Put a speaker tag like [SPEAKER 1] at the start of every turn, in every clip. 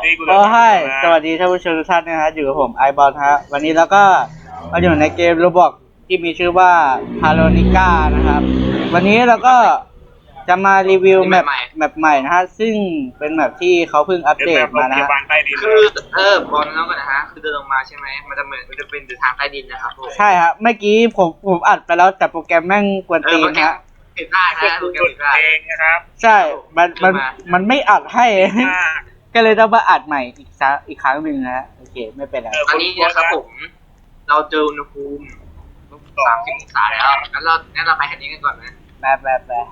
[SPEAKER 1] ให้สวัสดีท่านผู้ชมทุกท่านนะฮะอยู่กับผมไอบอลฮะวันนี้เราก็มาอยู่ในเกมโรบอกที่มีชื่อว่าพาโลนิก้านะครับวันนี้เราก็จะมารีวิวแมปใหม่นะฮะซึ่งเป็นแมปที่เขาเพิ่งอัปเดตมานะฮะ
[SPEAKER 2] คือบอกน้องก่อนนะฮะคือเดินลงมาใช่ไหมมันจะเป็นทางใต้ดินนะครับ
[SPEAKER 1] ใช่ครับเมื่อกี้ผมอัดไปแล้วแต่โปรแกรมแม่งกวนตีนฮะ
[SPEAKER 2] ผิดพลาดฮะโปรแกรมผิดพลาด
[SPEAKER 3] เองนะครับ
[SPEAKER 1] ใช่มันไม่อัดให้ก็เลยต้องมาอัดใหม่อีกครั้งหนึ่งนะฮะโอเคไม่เป็นไร
[SPEAKER 2] อันนี้นะครับผมเราเจออุณหภูมิ30 องศาแล้วงั้นเราไปแค่นี้กันก่อนนะ
[SPEAKER 1] แบบ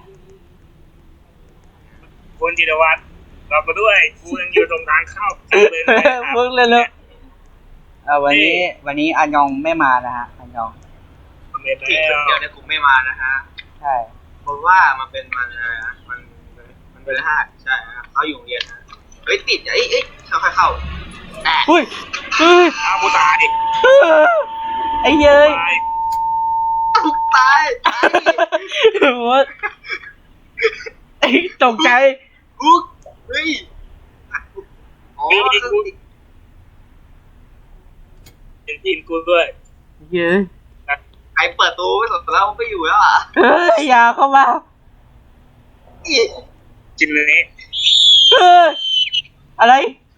[SPEAKER 3] คุณจิรวัตรเราไปด้วยกูยังอยู่ตรงทางเข้าเลย
[SPEAKER 1] มึงเลยวันนี้อันยองไม่มานะฮะอันยอง
[SPEAKER 2] ที่เดียวในกลุ่มไม่มานะฮะ
[SPEAKER 1] ใช่
[SPEAKER 2] เพราะว่ามันเป็นเป็นห้าใช่ฮะเขาอยู่โรงเรียนนะเฮ้ยติดเข้าแต่
[SPEAKER 1] อุ้ย
[SPEAKER 3] อ้าวกูตาย
[SPEAKER 1] ไอ้เย้ย
[SPEAKER 2] ตาย
[SPEAKER 1] what ไอ้ตกใจ
[SPEAKER 2] เฮ้ยอ๋อ
[SPEAKER 3] ยังกินกูด้วย
[SPEAKER 1] เย้ย
[SPEAKER 2] ใครเปิดตู้ไม่สนแล้วไม่อยู่แล้วอ่ะ
[SPEAKER 1] อย่าเข้ามา
[SPEAKER 3] กินเลยนี้
[SPEAKER 1] อะไร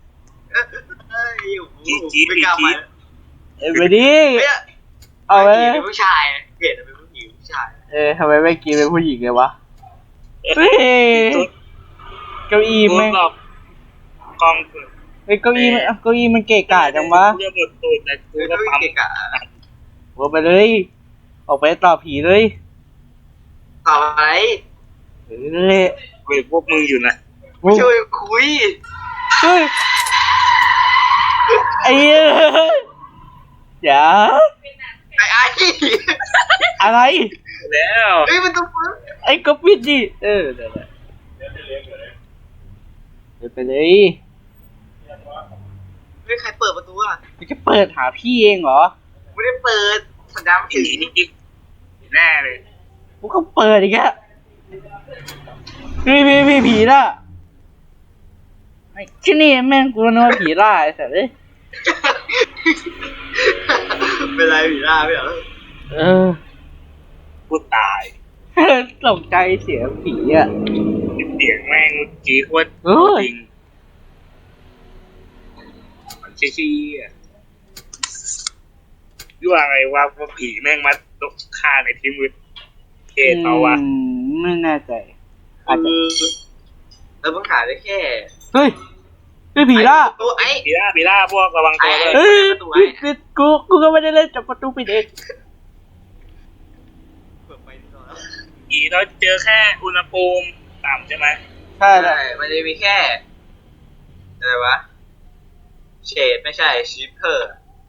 [SPEAKER 3] จี
[SPEAKER 2] ไม่กล้ามา
[SPEAKER 1] ไปดิเอาไว้
[SPEAKER 2] เป็นผู้ชายเปลี่ยนเป็นผู้หญิงผู้ชาย
[SPEAKER 1] ทำไมไม่กินเป็นผู้หญิงเลยวะเก้าอี้ไม่
[SPEAKER 3] กอง
[SPEAKER 1] เก้าอี้มันเกะกะจังวะ
[SPEAKER 3] เรื่องหมดตูดแต่กูก็ปั๊ม
[SPEAKER 2] เกะกะ
[SPEAKER 1] วัวไปเลยออกไปต่อผีเลย
[SPEAKER 2] ต่ออะไร
[SPEAKER 1] เฮ้ย
[SPEAKER 3] พวกมึงอยู่นะ
[SPEAKER 2] ช่วยคุย
[SPEAKER 1] ไอ้อย่าอะไร
[SPEAKER 3] แล้ว
[SPEAKER 2] มันต้อง
[SPEAKER 1] ไอ้ก็ปิดดิไปเลย
[SPEAKER 2] ไม่ใครเปิดประตูอ่ะ
[SPEAKER 1] จะเปิดหาพี่เองเหรอ
[SPEAKER 2] ไม่ได้เปิดสัญญาณถึง
[SPEAKER 3] แน่เลย
[SPEAKER 1] กูก็เปิดอีกแล้วมีผีน่ะไอ้ที่นี่แม่งกูนึกว่าผีล่าไอ้สัสเลย
[SPEAKER 2] เป็นไรผีล่าไม่เหรอ
[SPEAKER 3] กูตาย
[SPEAKER 1] ตกใจเสียงผีอ่ะ
[SPEAKER 3] เสียงแม่งจีโคตรจริงมันชี้ยั่วไงว่าผีแม่งมาตกฆ่าในที่มืดเท่เปล่าวะ
[SPEAKER 1] ไม่แน่ใจ
[SPEAKER 2] อาจจะเราเพิ่งหาได้แค่
[SPEAKER 1] เฮ้ยผีล่า
[SPEAKER 2] ตัว
[SPEAKER 3] ผีล่าพวกระวังตัวเลย
[SPEAKER 1] ปิดกูก็ไม่ได้เล่นจับประตูปิดเอง
[SPEAKER 3] ผีเราเจอแค่อุณหภูมิต่ำใช่ไหม
[SPEAKER 1] ใช่
[SPEAKER 2] มันจะมีแค่อะไรวะเชดไม่ใช่ชิปเปอร์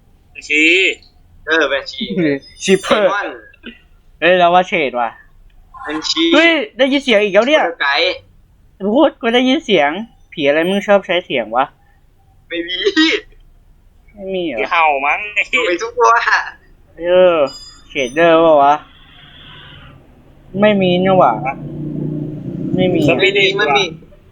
[SPEAKER 2] เป็น
[SPEAKER 1] ชิปเปอร์เราว่าเชดว่ะเฮ้ยได้ยินเสียงอีกแล้วเนี่ยพูดกูได้ยินเสียงผีอะไรมึงชอบใช้เสียงวะ
[SPEAKER 2] ไม่มี
[SPEAKER 1] เหรอ
[SPEAKER 3] เห่ามั้ง
[SPEAKER 2] ไม่ทุกตัว
[SPEAKER 1] เชดเดอร์ป่าวะไม่มีนะวะไม่มี
[SPEAKER 3] ไม่มี
[SPEAKER 2] ไม่มี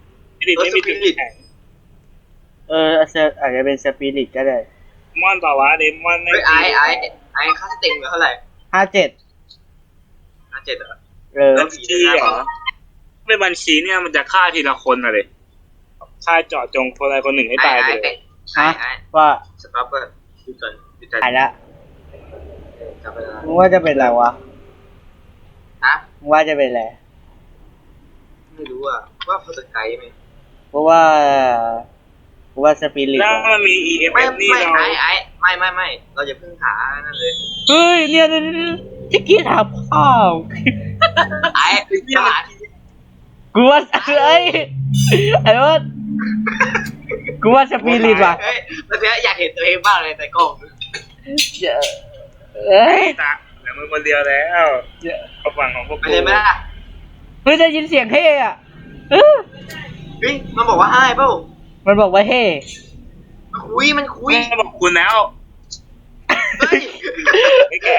[SPEAKER 1] อาจจะเป็นสปิริตก็ได้
[SPEAKER 3] มอนเปล่าวะเดมอน
[SPEAKER 2] ไม่ไอ้ค่าเต็งเหลือเท่าไหร่
[SPEAKER 1] 57
[SPEAKER 2] เหรอ
[SPEAKER 3] บัญชีเหรอไม่บัญชีเนี่ยมันจะฆ่าทีละคนอะไรฆ่าเจาะจงคนใดคนหนึ่งให้ตายไปเลย
[SPEAKER 1] ว่า
[SPEAKER 2] สต็อปเปอร์
[SPEAKER 1] ตายละมึงว่าจะเป็นอะไรวะมึงว่าจะเป็นอะไร
[SPEAKER 2] ไม่รู้อ่ะว่าเขาจะไกด์ไหม
[SPEAKER 1] เพราะว่าสปิริต
[SPEAKER 3] แล้วมันมี EMF นี่เรา
[SPEAKER 2] ไม่เราจะพึ่งหานั่นเลย
[SPEAKER 1] เฮ้ยเนี่ยจะกี้ถามพ่อกูว่าว่ากูว่าสปิริตว่ะ
[SPEAKER 2] แล้วเนี้ยอยากเห็นตัวเองบ้างเลยแต่กล้อง
[SPEAKER 3] แต่มึงคนเดียวแล้วเอาฝั่งของพวกกู
[SPEAKER 2] ไปเลยไหมล่ะ
[SPEAKER 1] เฮ้ยได้ยินเสียงเฮ้อะ
[SPEAKER 2] เฮ้ยมันบอกว่าไอ้เปล่า
[SPEAKER 1] มันบอกว่าเฮ้
[SPEAKER 2] มันคุย
[SPEAKER 3] มันบอกคุณแล้วไม่แก่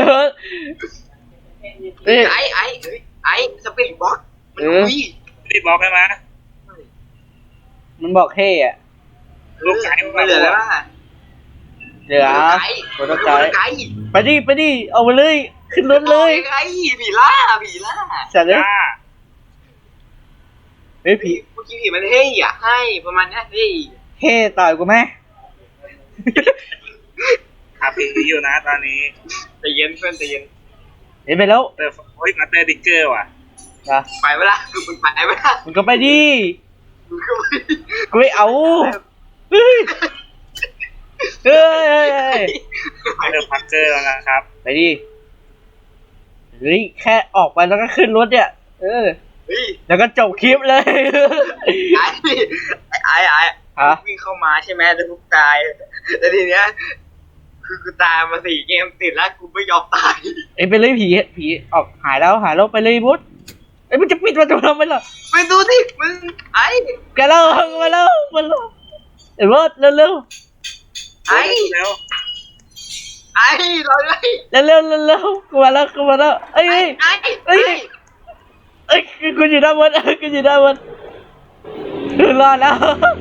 [SPEAKER 2] ไอ้สปิริตบ็อกมันคุย
[SPEAKER 3] รีบบอกได้ไหม
[SPEAKER 1] มันบอกเฮ้อะ
[SPEAKER 3] ลูกไก่
[SPEAKER 2] มันเหลือแล้วป่ะ
[SPEAKER 1] เหลือโปรโตไกด์
[SPEAKER 2] ไก่
[SPEAKER 1] ไปดิเอาไปเลยขึ้นรถเลย
[SPEAKER 2] ไก่ผีล่า
[SPEAKER 1] สัตว์เลย
[SPEAKER 3] จ้า
[SPEAKER 1] เฮ้ยผี
[SPEAKER 2] เมื่อกี้ผีมันเฮ้ยอ่ะให้ประมาณนี้เฮ้ย
[SPEAKER 1] เฮ้ต่อยกูไหม
[SPEAKER 3] หาผีอยู่นะตอนนี้
[SPEAKER 2] ใจเย็นเพื่อนใจเย็น
[SPEAKER 1] เฮ้ยไปแล้ว
[SPEAKER 3] เตอร์เฮ้ยมาเตอร์ดิกเกอร์ว่ะ
[SPEAKER 1] นะ
[SPEAKER 2] ไปเวลามึงไปเวลา
[SPEAKER 1] มึงก็ไปดิ
[SPEAKER 2] มึงก็ไป
[SPEAKER 1] กูไม่เอาเฮ้ยเฮ้ย
[SPEAKER 3] เตอร์พักเกอร์แล้วนะครับ
[SPEAKER 1] ไปดิเฮ้ยแค่ออกไปแล้วก็ขึ้นรถเนี่ยเออ
[SPEAKER 2] เฮ้ย
[SPEAKER 1] แล้วก็จบคลิปเลย
[SPEAKER 2] ไอ้
[SPEAKER 1] ฮะ
[SPEAKER 2] วิ่งเข้ามาใช่ไหมแล้วกูตายแล้วทีเนี้ยคือกูตายมา4 เกมติดแล้วกูไม่ยอมตาย
[SPEAKER 1] เอ้ยไปเลยผีออกหายแล้วไปเลยบุ๊ดเอ้ยมันจะปิดประตูทำไมล่ะ
[SPEAKER 2] ไปดูสิมึงไอ้
[SPEAKER 1] แกแล้วมาแล้วเอ้ยบุ๊ดเร็ว
[SPEAKER 2] ไอ้
[SPEAKER 3] แล้ว
[SPEAKER 2] ไอ้เราเลย
[SPEAKER 1] เร็วกูมาแล้วเอ้ย
[SPEAKER 2] ไอ้
[SPEAKER 1] เอ้ยกูอยู่ด้านบนรอดแล้ว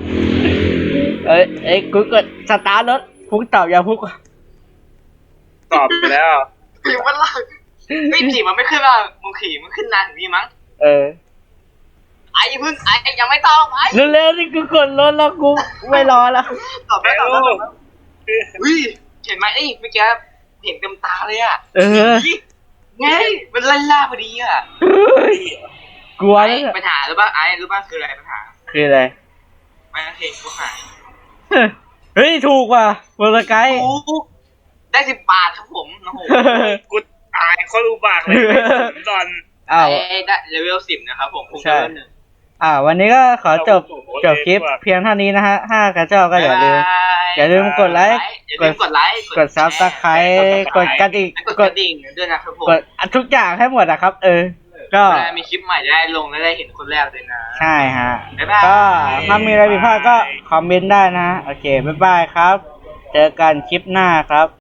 [SPEAKER 1] เอ้ยกูกดสตาร์ทรถพุกตอบอย่าพุก
[SPEAKER 3] ตอบไปแล้ว
[SPEAKER 2] ผีมันล่างไม่ผีมันไม่ขึ้นอ่ะมึงขี่มันขึ้นนานถึงนี่มั้ง
[SPEAKER 1] เออ
[SPEAKER 2] ไอ้พึ่งไอ้ยังไม่ตอบไอ้
[SPEAKER 1] เร็วนี่กูกดรถแล้วกูไม่รอแล้ว
[SPEAKER 2] ตอบได้ตอบได้อุ้ยเห็นไหมเอ้ยเมื่อกี้เห็นเต็มตาเลยอ่ะ
[SPEAKER 1] เออ
[SPEAKER 2] ไงมันไล่ล่าพอดีอ่ะ
[SPEAKER 1] กลัว
[SPEAKER 2] ไอ้
[SPEAKER 1] แล้ว
[SPEAKER 2] ปัญหาหรือเปล่าไอ้รู้ป่ะคืออะไรปัญหา
[SPEAKER 1] คืออะไร
[SPEAKER 2] ไม่โอเคกูหาย
[SPEAKER 1] เฮ้ยถูกว่ะโปรไกด์
[SPEAKER 2] ถูกได้10 บาทครับผมโอ้โห
[SPEAKER 3] กูตายโคนอุบากเลยตอน
[SPEAKER 1] อ้าว
[SPEAKER 2] ไอ้ได้เลเวล10นะครับผมผม
[SPEAKER 1] ใช่
[SPEAKER 2] เลเวลหนึ่ง
[SPEAKER 1] วันนี้ก็ขอจบคลิปเพียงเท่านี้นะฮะถ้ากระเจ้าก็อย่าลืมกดไลค์
[SPEAKER 2] อย่าลืมกดไลค์
[SPEAKER 1] กดซับสไครต์กดกระดิ่ง
[SPEAKER 2] กดกระดิ่งด้วยนะครับผม
[SPEAKER 1] กดทุกอย่างให้หมดนะครับ ก็
[SPEAKER 2] เวลามีคลิปใหม่จะได้ลงและได้เห็นคนแรกเลยนะ
[SPEAKER 1] ใช่ฮะ
[SPEAKER 2] บ๊ายบาย
[SPEAKER 1] ก็ถ้ามีอะไรผิดพลาดก็คอมเมนต์ได้นะ โอเค บ๊ายบายครับ เจอกันคลิปหน้าครับ